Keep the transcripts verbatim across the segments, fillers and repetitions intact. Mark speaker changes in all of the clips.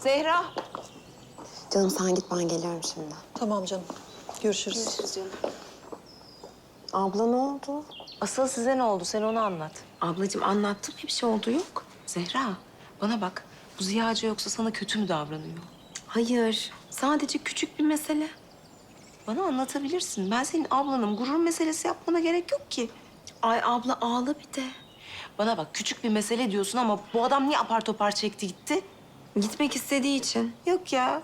Speaker 1: Zehra.
Speaker 2: Canım sen git, ben geliyorum şimdi.
Speaker 3: Tamam canım. Görüşürüz.
Speaker 1: Görüşürüz canım.
Speaker 2: Abla ne oldu?
Speaker 1: Asıl size ne oldu? Sen onu anlat.
Speaker 2: Ablacığım anlattım, hiçbir şey oldu yok.
Speaker 1: Zehra, bana bak. Bu Ziya Hoca yoksa sana kötü mü davranıyor?
Speaker 2: Hayır, sadece küçük bir mesele.
Speaker 1: Bana anlatabilirsin. Ben senin ablanım. Gurur meselesi yapmana gerek yok ki.
Speaker 2: Ay abla ağla bir de.
Speaker 1: Bana bak, küçük bir mesele diyorsun ama bu adam niye apar topar çekti gitti?
Speaker 2: Gitmek istediği için.
Speaker 1: Yok ya.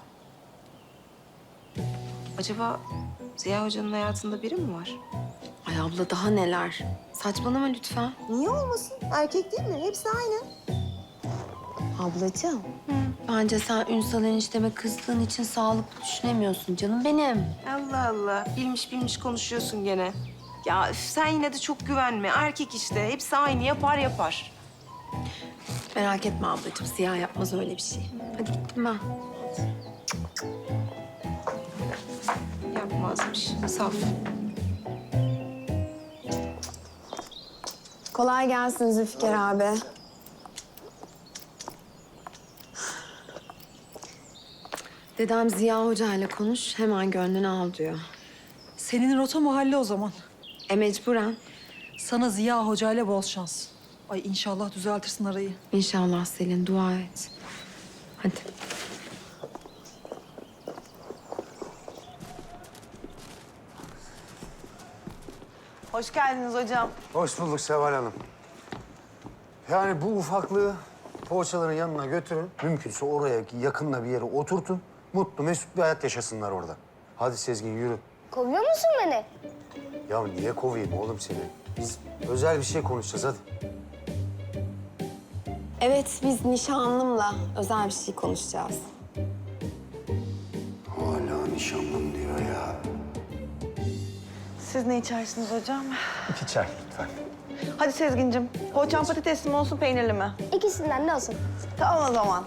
Speaker 1: Acaba Ziya Hoca'nın hayatında biri mi var?
Speaker 2: Ay abla daha neler. Saçmalama lütfen.
Speaker 4: Niye olmasın? Erkek değil mi? Hepsi aynı.
Speaker 2: Ablacığım, bence sen Ünsal enişteme kızdığın için sağlıklı düşünemiyorsun canım benim.
Speaker 1: Allah Allah. Bilmiş bilmiş konuşuyorsun gene. Ya üf, sen yine de çok güvenme. Erkek işte. Hepsi aynı. Yapar yapar.
Speaker 2: Merak etme ablacığım, Siyah yapmaz öyle bir şey. Hadi gittim ben.
Speaker 1: Yapmazmış. Saf.
Speaker 2: Kolay gelsin Zülfikar abi. Dedem Ziya Hoca ile konuş, hemen gönlünü al diyor.
Speaker 3: Senin rota mahalle o zaman.
Speaker 2: E mecburen.
Speaker 3: Sana Ziya Hoca ile bol şans. Ay inşallah düzeltirsin arayı.
Speaker 2: İnşallah Selin, dua et. Hadi.
Speaker 4: Hoş geldiniz hocam.
Speaker 5: Hoş bulduk Seval Hanım. Yani bu ufaklığı poğaçaların yanına götürün. Mümkünse oraya yakınla bir yere oturtun. Mutlu, mesut bir hayat yaşasınlar orada. Hadi Sezgin yürü.
Speaker 6: Kovuyor musun beni?
Speaker 5: Ya niye kovayım oğlum seni? Biz özel bir şey konuşacağız hadi.
Speaker 2: Evet, biz nişanlımla özel bir şey konuşacağız.
Speaker 5: Hala nişanlım diyor ya.
Speaker 4: Siz ne içersiniz hocam?
Speaker 5: İki çay lütfen.
Speaker 4: Hadi Sezgin'cim. Poğaçam patatesli mi olsun, peynirli mi?
Speaker 6: İkisinden de olsun.
Speaker 4: Tamam o zaman.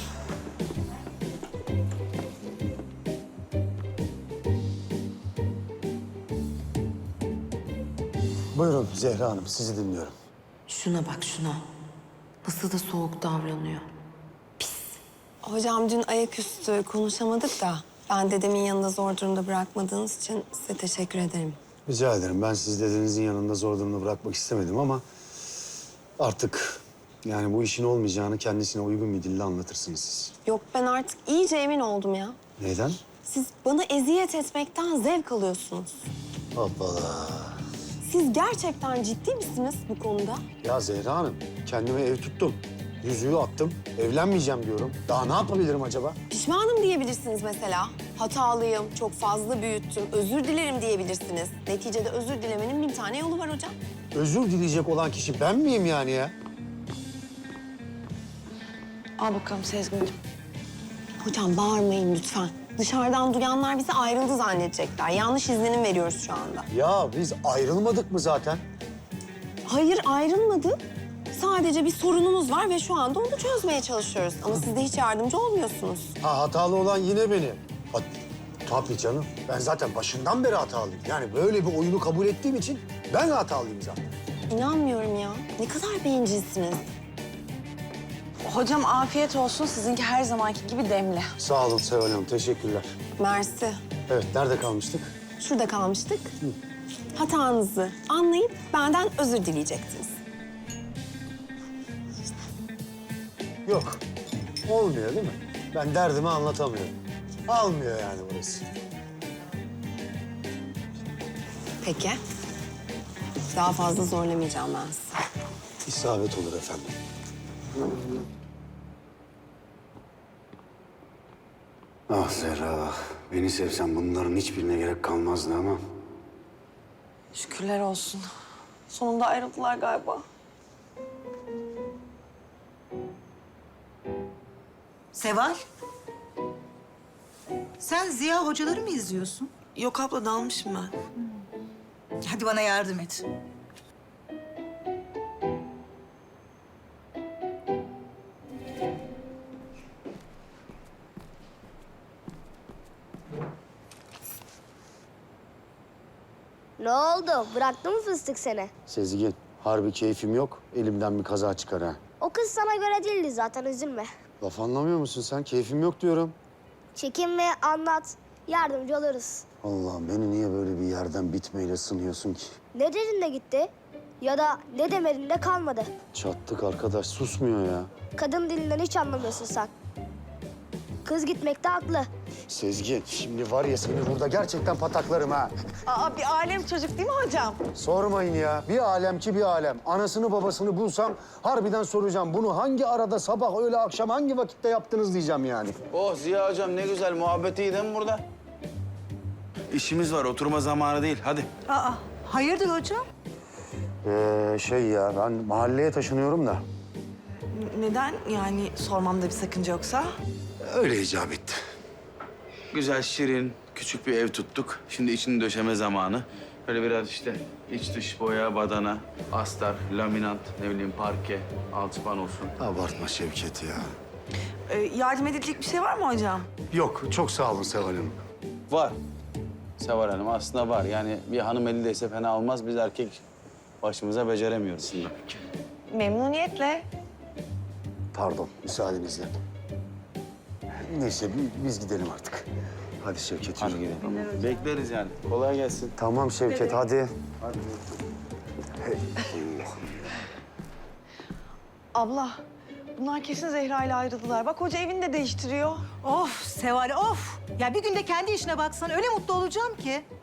Speaker 5: Buyurun Zehra Hanım, sizi dinliyorum.
Speaker 2: Şuna bak şuna. Nasıl da soğuk davranıyor. Pis. Hocam dün ayaküstü konuşamadık da ben dedemin yanında zor durumda bırakmadığınız için size teşekkür ederim.
Speaker 5: Rica ederim. Ben sizi dedenizin yanında zor durumda bırakmak istemedim ama artık yani bu işin olmayacağını kendisine uygun bir dille anlatırsınız siz.
Speaker 2: Yok, ben artık iyice emin oldum ya.
Speaker 5: Neden?
Speaker 2: Siz bana eziyet etmekten zevk alıyorsunuz.
Speaker 5: Hoppala.
Speaker 2: Siz gerçekten ciddi misiniz bu konuda?
Speaker 5: Ya Zehra Hanım, kendime ev tuttum. Yüzüğü attım, evlenmeyeceğim diyorum. Daha ne yapabilirim acaba?
Speaker 2: Pişmanım diyebilirsiniz mesela. Hatalıyım, çok fazla büyüttüm, özür dilerim diyebilirsiniz. Neticede özür dilemenin bin tane yolu var hocam.
Speaker 5: Özür dileyecek olan kişi ben miyim yani ya?
Speaker 4: Al bakalım Sezgin'cim.
Speaker 2: Hocam bağırmayın lütfen. Dışarıdan duyanlar bizi ayrıldı zannedecekler. Yanlış izlenim veriyoruz şu anda.
Speaker 5: Ya biz ayrılmadık mı zaten?
Speaker 2: Hayır, ayrılmadık. Sadece bir sorunumuz var ve şu anda onu çözmeye çalışıyoruz. Ama siz de hiç yardımcı olmuyorsunuz.
Speaker 5: Ha hatalı olan yine benim. Ha, tabii canım. Ben zaten başından beri hatalıyım. Yani böyle bir oyunu kabul ettiğim için ben hatalıyım zaten.
Speaker 2: İnanmıyorum ya. Ne kadar bencilsiniz.
Speaker 4: Hocam afiyet olsun. Sizinki her zamanki gibi demli.
Speaker 5: Sağ olun Seval Hanım, teşekkürler.
Speaker 2: Mersi.
Speaker 5: Evet, nerede kalmıştık?
Speaker 2: Şurada kalmıştık. Hatanızı anlayıp benden özür dileyecektiniz.
Speaker 5: Yok, olmuyor değil mi? Ben derdimi anlatamıyorum. Almıyor yani burası.
Speaker 2: Peki. Daha fazla zorlamayacağım ben sizi.
Speaker 5: İsabet olur efendim. Ah Zehra, beni sevsen bunların hiçbirine gerek kalmazdı ama...
Speaker 4: Şükürler olsun. Sonunda ayrıldılar galiba.
Speaker 7: Seval. Sen Ziya hocaları mı izliyorsun?
Speaker 4: Yok abla, dalmışım ben.
Speaker 7: Hadi bana yardım et.
Speaker 6: Ne oldu? Bıraktı mı fıstık seni?
Speaker 5: Sezgin, harbi keyfim yok. Elimden bir kaza çıkar ha.
Speaker 6: O kız sana göre değildi zaten, üzülme.
Speaker 5: Laf anlamıyor musun sen? Keyfim yok diyorum.
Speaker 6: Çekinme, anlat. Yardımcı oluruz.
Speaker 5: Allah'ım beni niye böyle bir yerden bitmeyle sınıyorsun ki?
Speaker 6: Ne dedin de gitti? Ya da ne demedin de kalmadı.
Speaker 5: Çattık arkadaş, susmuyor ya.
Speaker 6: Kadın dilinden hiç anlamıyorsun sen. Kız gitmekte haklı.
Speaker 5: Sezgin, şimdi var ya seni burada gerçekten pataklarım ha.
Speaker 4: Aa, bir alem çocuk değil mi hocam?
Speaker 5: Sormayın ya. Bir alem ki bir alem. Anasını babasını bulsam harbiden soracağım. Bunu hangi arada sabah, öğle, akşam hangi vakitte yaptınız diyeceğim yani.
Speaker 8: Oh Ziya hocam ne güzel muhabbet iyi değil mi burada? İşimiz var oturma zamanı değil hadi.
Speaker 7: Aa, hayırdır hocam?
Speaker 5: Ee, şey ya ben mahalleye taşınıyorum da.
Speaker 4: Neden? Yani sormamda bir sakınca yoksa?
Speaker 5: Öyle icap etti.
Speaker 8: Güzel şirin küçük bir ev tuttuk. Şimdi içini döşeme zamanı. Böyle biraz işte iç dış boya, badana, astar, laminant, ne bileyim parke, alçıpan olsun.
Speaker 5: Abartma Şevket ya.
Speaker 4: Ee, yardım edilecek bir şey var mı hocam?
Speaker 5: Yok, çok sağ olun Seval Hanım.
Speaker 8: Var. Seval Hanım aslında var. Yani bir hanım elindeyse fena olmaz. Biz erkek başımıza beceremiyoruz aslında.
Speaker 4: Memnuniyetle.
Speaker 5: Pardon, müsaadenizle. Neyse bi- biz gidelim artık. Hadi Şevket
Speaker 8: Hadi
Speaker 5: yürü.
Speaker 8: gidelim. Bekleriz yani. Kolay gelsin.
Speaker 5: Tamam Şevket hadi.
Speaker 4: Abla, bunlar kesin Zehra ile ayrıldılar. Bak hoca evini de değiştiriyor.
Speaker 7: Of Seval of. Ya bir günde kendi işine baksan öyle mutlu olacağım ki.